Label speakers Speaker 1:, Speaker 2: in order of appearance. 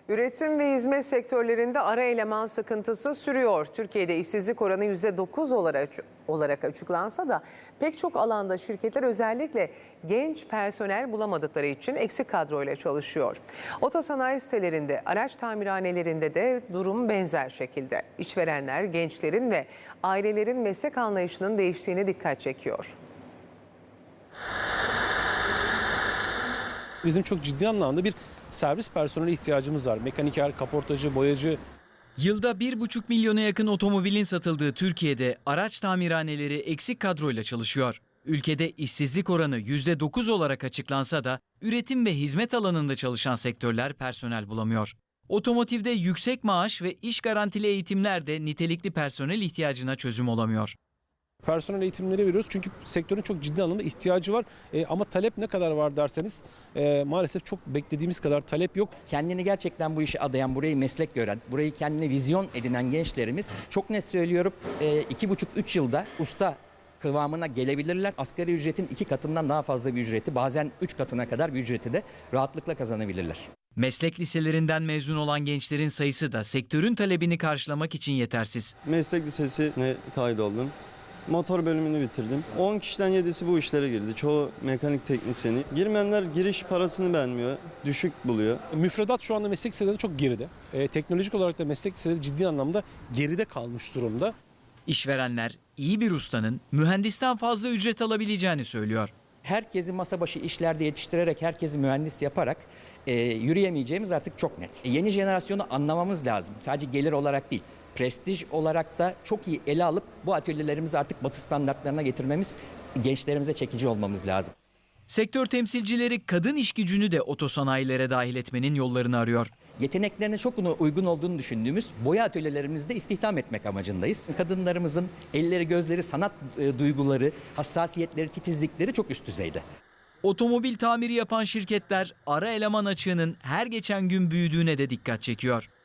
Speaker 1: Üretim ve hizmet sektörlerinde ara eleman sıkıntısı sürüyor. Türkiye'de işsizlik oranı %9 olarak açıklansa da pek çok alanda şirketler özellikle genç personel bulamadıkları için eksik kadroyla çalışıyor. Otosanayi sitelerinde, araç tamirhanelerinde de durum benzer şekilde. İşverenler gençlerin ve ailelerin meslek anlayışının değiştiğine dikkat çekiyor.
Speaker 2: Bizim çok ciddi anlamda bir servis personeli ihtiyacımız var. Mekaniker, kaportacı, boyacı.
Speaker 3: Yılda 1,5 milyona yakın otomobilin satıldığı Türkiye'de araç tamirhaneleri eksik kadroyla çalışıyor. Ülkede işsizlik oranı %9 olarak açıklansa da üretim ve hizmet alanında çalışan sektörler personel bulamıyor. Otomotivde yüksek maaş ve iş garantili eğitimler de nitelikli personel ihtiyacına çözüm olamıyor.
Speaker 2: Personel eğitimleri veriyoruz çünkü sektörün çok ciddi anlamda ihtiyacı var. Ama talep ne kadar var derseniz maalesef çok beklediğimiz kadar talep yok.
Speaker 4: Kendini gerçekten bu işe adayan, burayı meslek gören, burayı kendine vizyon edinen gençlerimiz çok net söylüyorum 2,5-3 yılda usta kıvamına gelebilirler. Asgari ücretin 2 katından daha fazla bir ücreti, bazen 3 katına kadar bir ücreti de rahatlıkla kazanabilirler.
Speaker 3: Meslek liselerinden mezun olan gençlerin sayısı da sektörün talebini karşılamak için yetersiz.
Speaker 5: Meslek lisesine kaydoldum. Motor bölümünü bitirdim. 10 kişiden 7'si bu işlere girdi. Çoğu mekanik teknisyeni. Girmeyenler giriş parasını beğenmiyor, düşük buluyor.
Speaker 2: Müfredat şu anda meslek liseleri çok geride. Teknolojik olarak da meslek liseleri ciddi anlamda geride kalmış durumda.
Speaker 3: İşverenler iyi bir ustanın mühendisten fazla ücret alabileceğini söylüyor.
Speaker 4: Herkesi masa başı işlerde yetiştirerek, herkesi mühendis yaparak yürüyemeyeceğimiz artık çok net. Yeni jenerasyonu anlamamız lazım. Sadece gelir olarak değil, prestij olarak da çok iyi ele alıp bu atölyelerimizi artık Batı standartlarına getirmemiz, gençlerimize çekici olmamız lazım.
Speaker 3: Sektör temsilcileri kadın iş gücünü de otosanayilere dahil etmenin yollarını arıyor.
Speaker 4: Yeteneklerine çok uygun olduğunu düşündüğümüz boya atölyelerimizde istihdam etmek amacındayız. Kadınlarımızın elleri, gözleri, sanat duyguları, hassasiyetleri, titizlikleri çok üst düzeyde.
Speaker 3: Otomobil tamiri yapan şirketler ara eleman açığının her geçen gün büyüdüğüne de dikkat çekiyor.